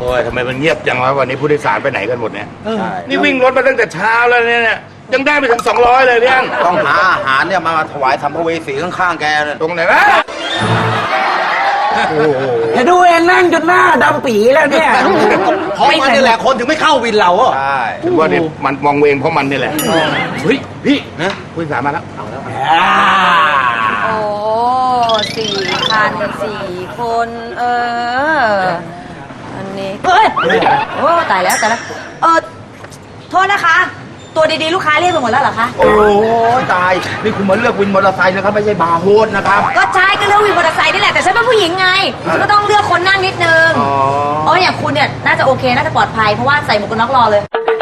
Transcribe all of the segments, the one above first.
อ้ยทำไมมันเงียบจังวะวันนี้ผู้โดยสารไปไหนกันหมดเนี่ยใช่นี่วิ่งรถมาตั้งแต่เช้าแล้วเนี่ยยังได้ไปถึง200เลยเนี่ยต้องหาอาหารเนี่ยมาถวายสัมภเวสีข้างๆแกเนี่ยตรงไหนวะโอ้โหจะดูเองนั่งจนหน้าดำปีแล้วเนี่ยเพราะมันนี่แหละคนถึงไม่เข้าวินเราใช่ถึงว่าเนี่ยมันมองเวงเพราะมันนี่แหละเฮ้ยพี่นะผู้โดยสารมาแล้วโอ้4,004 คนอันนี้เฮ้ยโอ้ตายแล้วโทษนะคะ ตัวดีๆลูกค้าเรียกไปหมดแล้วเหรอคะโอ้ยตายนี่คุณมาเลือกวินมอเตอร์ไซค์นะครับไม่ใช่บาร์โฮสนะครับก็ใช่ก็เลือกวินมอเตอร์ไซค์นี่แหละแต่ฉันเป็นผู้หญิงไงฉันก็ต้องเลือกคนนั่งนิดนึงอย่างคุณเนี่ยน่าจะโอเคน่าจะปลอดภัยเพราะว่าใส่หมวกกันน็อกรอเลย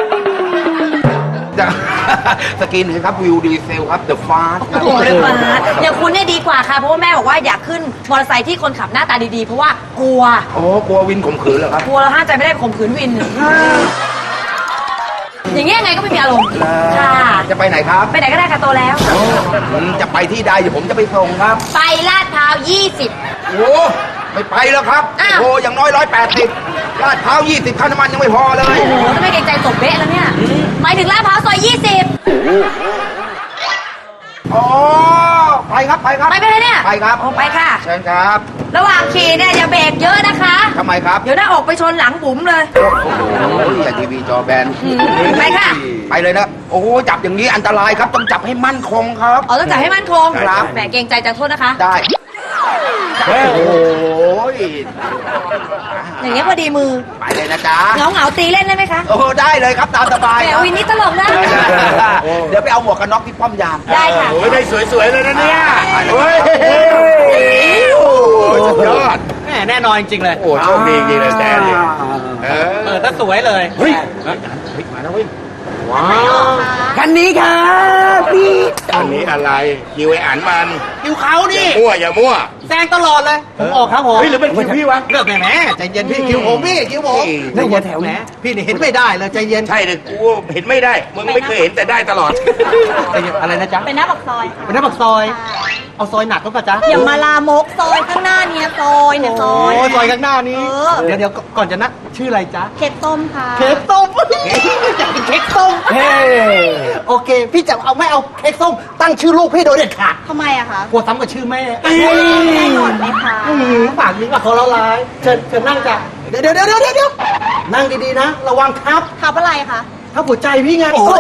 สกินเห็นครับวิวดีเซลครับเดอะฟาสโอ้โหเลยมาอย่างคุณเนี่ยดีกว่าค่ะเพราะว่าแม่บอกว่าอยากขึ้นมอเตอร์ไซค์ที่คนขับหน้าตาดีๆเพราะว่ากลัวโอ้กลัววินข่มขืนเหรอครับกลัวเราห้ามใจไม่ได้ข่มขืนวิน อย่างเงี้ยไงก็ไม่มีอารมณ์ค่ะจะไปไหนครับไปไหนก็ได้ค่ะโตแล้วจะไปที่ใดเดี๋ยวผมจะไปส่งครับไปลาดพร้าว20 โอ้ไม่ไปแล้วครับอ้าวโอ้อย่างน้อย180ลาดพร้าว20ค่าน้ำมันยังไม่พอเลยโอ้โหทำไมเกรงใจตบเบ๊ะแล้วเนี่ยหมายถึงลาดพร้าวซอย20 อ๋อไปครับไปครับไปไหมเนี่ยไปครับโอ้ไปค่ะเชิญครับระหว่างขี่เนี่ยอย่าเบรกเยอะนะคะทำไมครับเดี๋ยวหน้าอกไปชนหลังบุ๋มเลยโอ้ยอย่าทีวีจอแบนไปค่ะไปเลยนะโอ้จับอย่างนี้อันตรายครับต้องจับให้มั่นคงครับอ๋อต้องจับให้มั่นคงครับแหมเกรงใจจังโทษนะคะได้โอ้ยอย่างเงี้ยพอดีมือไปเลยนะจ๊ะเหงาตีเล่นได้ไหมคะโอ้ได้เลยครับตามสบายแหมครับวินนี่ตลกนะเดี๋ยวไปเอาหมวกกันน็อกที่ป้อมยามได้ค่ะโอ้ยได้สวยๆเลยนะเนี่ยเฮ้ยสุดยอดแน่นอนจริงๆเลยโอ้โชคดีจริงเลยแจ๊ดเนี่ยเอเปิดซะสวยเลยเฮ้ยมาแล้วเว้ยว้าวคันนี้ครับพี่อันนี้อะไรคิวไอ้อันมันคิวเขานี่อย่ามั่วแซงตลอดเลย ผมออกครับผมเฮ้ยหรือเป็นคิวพี่วะเลือกแหมใจเย็นพี่คิวผมพี่คิวผมนั่งหัวแถวแหมนี้พี่นี่เห็นไม่ได้เลยใจเย็นใช่เลยกูเห็นไม่ได้มึงไม่เคยเห็นแต่ได้ตลอดใจเย็นอะไรนะจ๊ะเป็นหน้าปากซอยเป็นหน้าปากซอย เอาซอยหนักก็ป่ะจ๊ะอย่ามาลามกซอยข้างหน้าเนี่ยซอยเนี่ยซอยโอ้ยซอยข้างหน้านี้เออเดี๋ยวก่อนจะนัดชื่ออะไรจ๊ะเค้กต้มค่ะเค้กส้มอยากกินเค้กส้มเฮ้โอเค พี่จะเอาไม่เอาเค้กส้มตั้งชื่อลูกพี่โดยเด็ดขาดทำไมอะคะกลัวซ้ำกับชื่อแม่แน่นอนไหมคะปากนี้ว่าเขาละลายเชิญนั่งจ้ะเดี๋ยวนั่งดีๆนะ ระวังครับขับอะไรคะถ้าหัวใจพี่ไงโอ้โห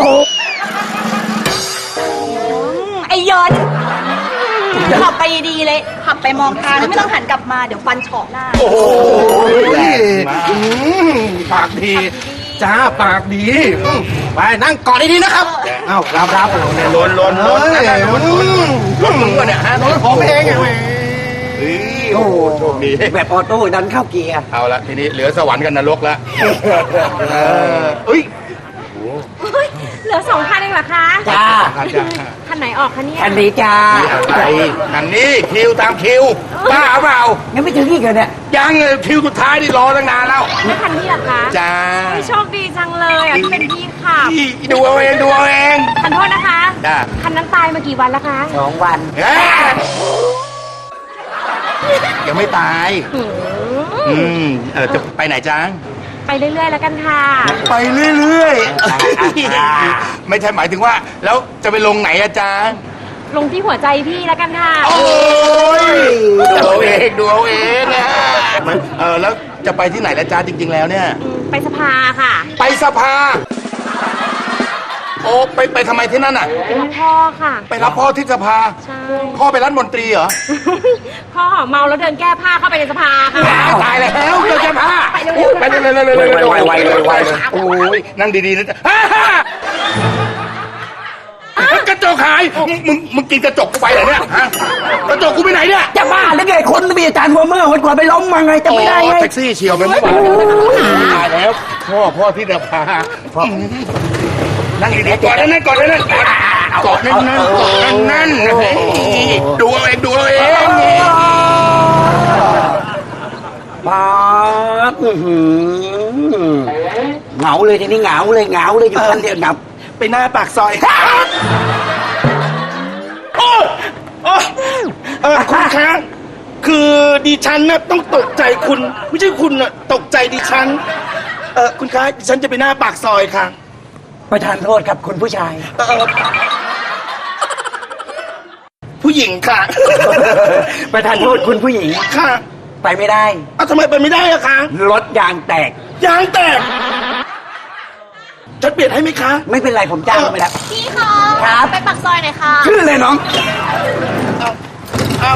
ไอ้ยอนขับไปดีๆเลย ขับไปมองทางแล้วไม่ต้องหันกลับมาเดี๋ยวฟันเฉาะหน้าโอ้โหแรงมากปากดี จ้าปากดีไปนั่งก่อนดีๆนะครับเอ้ารับลนรถมึงวะเนี่ยฮะรถผมเองไงเฮ้ยโอ้โหโชคดีแบบออโต้ดันเข้าเกียร์เอาละทีนี้เหลือสวรรค์กับนรกแล้วเอ้ยเหลือ2 คันเองเหรอคะจ้าคันไหนออกคะเนี่ยคันนี้จ้านี่อะไรอันนี้คิวตามคิวบ้าเปล่ายังไม่ถึงอีกเหรอเนี่ยยังเลยคิวสุดท้ายนี่รอตั้งนานแล้วไม่คันนี้เหรอคะจ้าโชคดีจังเลยอ่ะที่เป็นพี่ขับดูเอาเองดูเอาเองขอโทษนะคะจ้าคันนั้นตายมากี่วันแล้วคะ 2 วันยังไม่ตายจะไปไหนจ้าไปเรื่อยๆแล้วกันค่ะไปเรื่อยๆไม่ใช่หมายถึงว่า แล้วจะไปลงไหนอะจ้าลงที่หัวใจพี่แล้วกันค่ะโอ้ยดูเอาเองดูเอาเองนะแล้วจะไปที่ไหนละจ้าจริง ๆ แล้วเนี่ยไปสภาค่ะไปสภา โอ้ไปทำไมที่นั่นอ่ะไปรับพ่อค่ะไปรับพ่อที่สภาใช่พ่อไปรัฐมนตรีเหรอพ่อเมาแล้วเดินแก้ผ้าเข้าไปในสภาค่ะตายแล้วเจอแก้ผ้าไปเร็วๆไปเลยโอ้ยนั่งดีๆนะจ๊ะกระจกหายมึงกินกระจกกูไปเหรอเนี่ยฮะกระจกกูไปไหนเนี่ยจะบ้าหรือไงคนมีอาจารย์หัวเมื่อวันก่อนไปล้มมาไงจะไม่ได้ไงแท็กซี่เฉียวไปเมื่อวานตายแล้วพ่อที่สภาพ่อนั่งดีๆกอดนั่นกอดนั่นกอดนั่นดูเอาเองดูเอาเองป๊าบเหงาเลยทีนี้เหงาเลยอยู่คนเดียวดับไปหน้าปากซอยคุณคะคือดิฉันน่ะต้องตกใจคุณ ไม่ใช่คุณน่ะตกใจดิฉัน คุณคะดิฉันจะไปหน้าปากซอยค่ะประทานโทษครับคุณผู้ชายผู้หญิงค่ะประทานโทษคุณผู้หญิงค่ะไปไม่ได้เอาทำไมไปไม่ได้อะคะรถยางแตกยางแตกฉันเปลี่ยนให้ไหมคะไม่เป็นไรผมจ้างไปแล้วพี่คะครับไปปักซอยหน่อยค่ะขึ้นเลยน้องเอา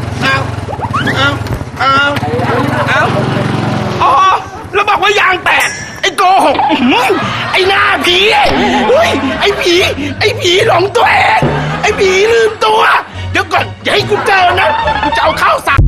อ๋อ แล้วบอกว่ายางแตก ไอ้โกหกอื้อหือไอ้หน้าผีเฮ้ย ไอ้ผีหลงตัวเอง ไอ้ผีลืมตัว เดี๋ยวก่อน อย่าให้กูเจอนะ กูจะเอาข้าวสาร